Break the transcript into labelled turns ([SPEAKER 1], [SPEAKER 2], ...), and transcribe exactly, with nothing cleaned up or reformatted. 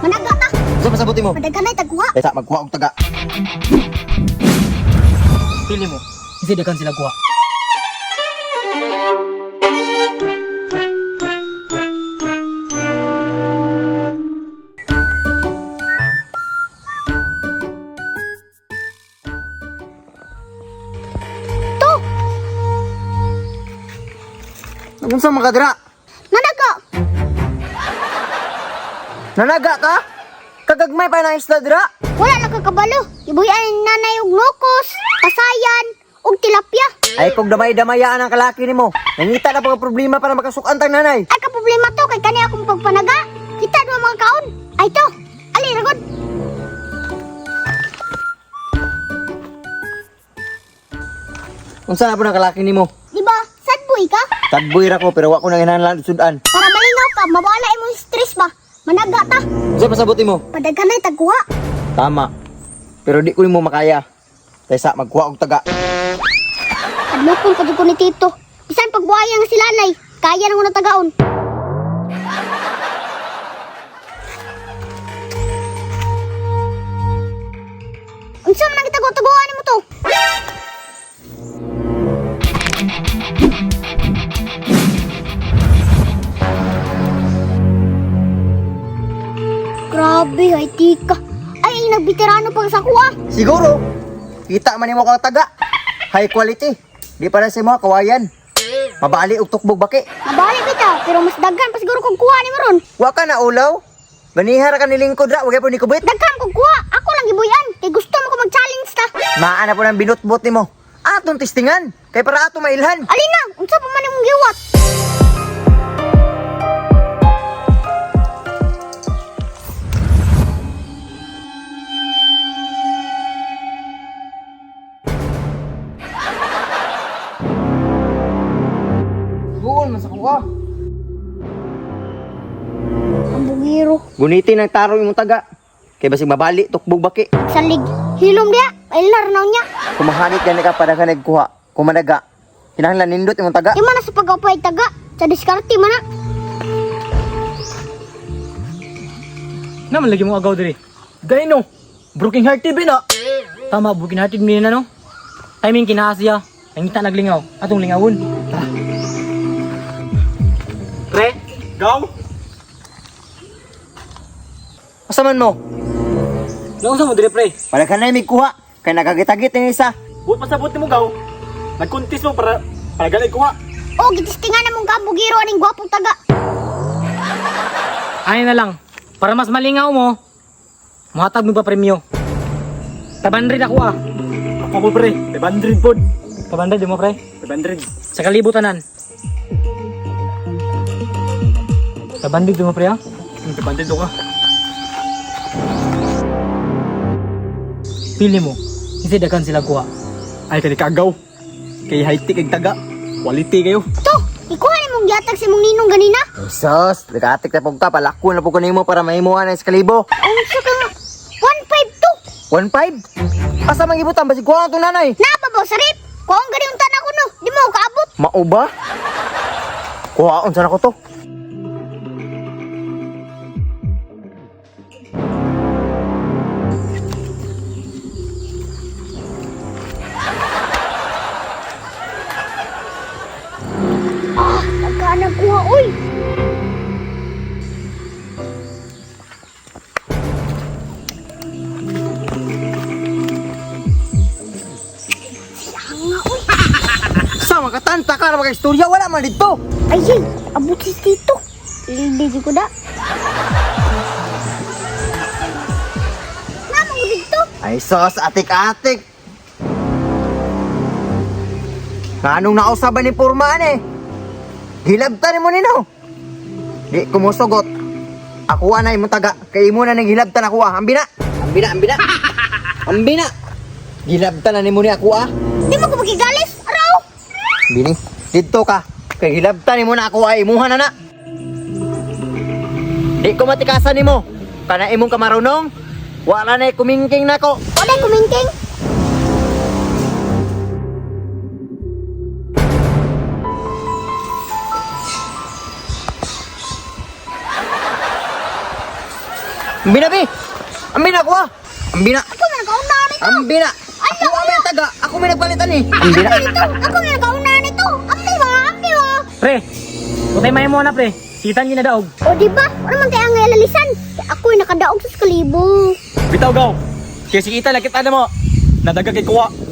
[SPEAKER 1] Managa ta.
[SPEAKER 2] Sa pasabuti mo.
[SPEAKER 1] Padaganay tagkuha.
[SPEAKER 2] Kaysa magkuha og taga.
[SPEAKER 3] Pili mo. Kasi dagan sila kuha.
[SPEAKER 1] To.
[SPEAKER 2] Unsa man ka dira?
[SPEAKER 1] Managa.
[SPEAKER 2] Nanaga ka? Kagagmay pa na isda dira?
[SPEAKER 1] Wala na kakabalo. Ibuyan ni nanay og nukos, kasayan, og tilapia.
[SPEAKER 2] Ay kung damay-damayaan ang kalaki nimo. Nangita na pag problema para makasukan tang nanay.
[SPEAKER 1] Ay ka problema to kay kani akong pagpanaga. Kita do mga kaon. Ay to. Ali ragod.
[SPEAKER 2] Unsa na po ang kalaki nimo?
[SPEAKER 1] Di ba? Sad boy ka?
[SPEAKER 2] Tagboy ra ko pero wa ko nang hinahanglan sudan.
[SPEAKER 1] Para malingaw ka, mawala imong stress ba? Managa ta.
[SPEAKER 2] Unsa pasabuti mo?
[SPEAKER 1] Padaganay tagkuha.
[SPEAKER 2] Tama. Pero di ko nimo makaya. Kaysa magkuha og taga.
[SPEAKER 1] Adlokon pa jud ko ni Tito. Bisan pagbuhaya nga si Lanay, kaya nang unang tagaon. Unsa man ang gitago-taguan nimo to? Grabe, ay tika. Ay, nagbitirano pa sa kuha.
[SPEAKER 2] Siguro. Kita man nimo kang taga. High quality. Di para sa mga kawayan. Mabali og tukbog baki.
[SPEAKER 1] Mabalik bitaw, pero mas daghan pa siguro kung kuha ni mo ron.
[SPEAKER 2] Wa ka na ulaw. Banihar ka ni lingkod ra, wagay po ni kubit.
[SPEAKER 1] Daghan kung kuha, ako lang gibuyan. Kay gusto mo ko mag-challenge ta.
[SPEAKER 2] Maana po ng binutbot nimo. Atong testingan. Kay para ato mailhan.
[SPEAKER 1] Alina, unsa pa man imong giwat?
[SPEAKER 2] Buon man sa kuha.
[SPEAKER 1] Ang bugiro.
[SPEAKER 2] Gunitin ang tarong imong taga. Kay basig mabali tukbog baki.
[SPEAKER 1] Salig. Hilom dia. Ailar na niya.
[SPEAKER 2] Kumahangit gani ka para ka nagkuha. Kumanaga. Kinahanglan nindot imong taga.
[SPEAKER 1] Di man na sa pag-upay taga. Sa diskarte man na.
[SPEAKER 3] Naman lagi mo agaw diri. Gay no. Broken hearted ba na? Tama, broken hearted mo na no. Timing kinahasya. Nangita naglingaw. Atong lingawon. Tara. Pre, gaw.
[SPEAKER 2] Asa man mo?
[SPEAKER 3] Gaw sa mo diri pre.
[SPEAKER 2] Para ka na may kuha. Kay nagagitagit yung isa.
[SPEAKER 3] Buot pasabot mo gaw. Nagkuntis mo para para ganay kuha.
[SPEAKER 1] O, gitistingan na mong kabugiro aning gwapong taga.
[SPEAKER 3] Ay na lang. Para mas malingaw mo, muhatag mo pa premyo. Tabandrid ako ah. Ako mo pre, tabandrid pod. Tabandrid mo pre? Tabandrid. Sa kalibutanan. Tabandrid mo pre ah? Tabandrid ka. Pili mo, kasi dagan sila kuha. Ay kani kagaw. Kay high-tech kag taga. Quality kayo.
[SPEAKER 1] To, ikuha ni mong giatag si mong ninong ganina.
[SPEAKER 2] Sos, nagatik na po ka. Palako na po ko nimo para mahimuhan ng eskalibo.
[SPEAKER 1] Unsa ka nga? one five two.
[SPEAKER 2] one five? Asa mang ibutan? Basig kuha ang itong nanay.
[SPEAKER 1] Napabaw sa rip. Kung gani unta na ko no. Di mo kaabot.
[SPEAKER 2] Mauba? Kuhaon sana ko to.
[SPEAKER 1] Ah, nagkaan ang kuha, uy. Siya nga, uy.
[SPEAKER 2] Sa mga katanta ka na mga-istorya, wala man dito.
[SPEAKER 1] Ay, ay, abot si Tito. Hindi ko da. Namang dito.
[SPEAKER 2] Ay sos, atik-atik. Anong nausaban ni Purmaan eh? Hilabtan mo nino. Di kumusugot. Ako na imong taga. Kay imo na nang hilabtan ako ah. Ambina. Ambina, ambina. Ambina. Hilabtan na nimo ni ako ah.
[SPEAKER 1] Di mo ko magigalis, araw.
[SPEAKER 2] Bini, dito ka. Kay hilabtan nimo na ako ah. Imuha na na. Di ko matikasan nimo. Kana imong kamarunong. Wala na kumingking nako.
[SPEAKER 1] Wala kumingking.
[SPEAKER 2] Ambi na, be. Ambi na, kuha. Ambi na.
[SPEAKER 1] Ako may nagkauna nito.
[SPEAKER 2] Ambi na. Ako ang may taga. Ako may nagbalitan eh. Ambi na.
[SPEAKER 1] Ito, ako may nagkauna nito. Ambi ba? Ambi ba?
[SPEAKER 3] Pre, utay may mo na pre. Sitan niyo na daog.
[SPEAKER 1] O di ba? Ano man tayo ang ngalalisan? Ako'y nakadaog sa kalibo.
[SPEAKER 4] Bitaw gaw. Kaya si Ita nakita na mo. Nadaga kay kuwa.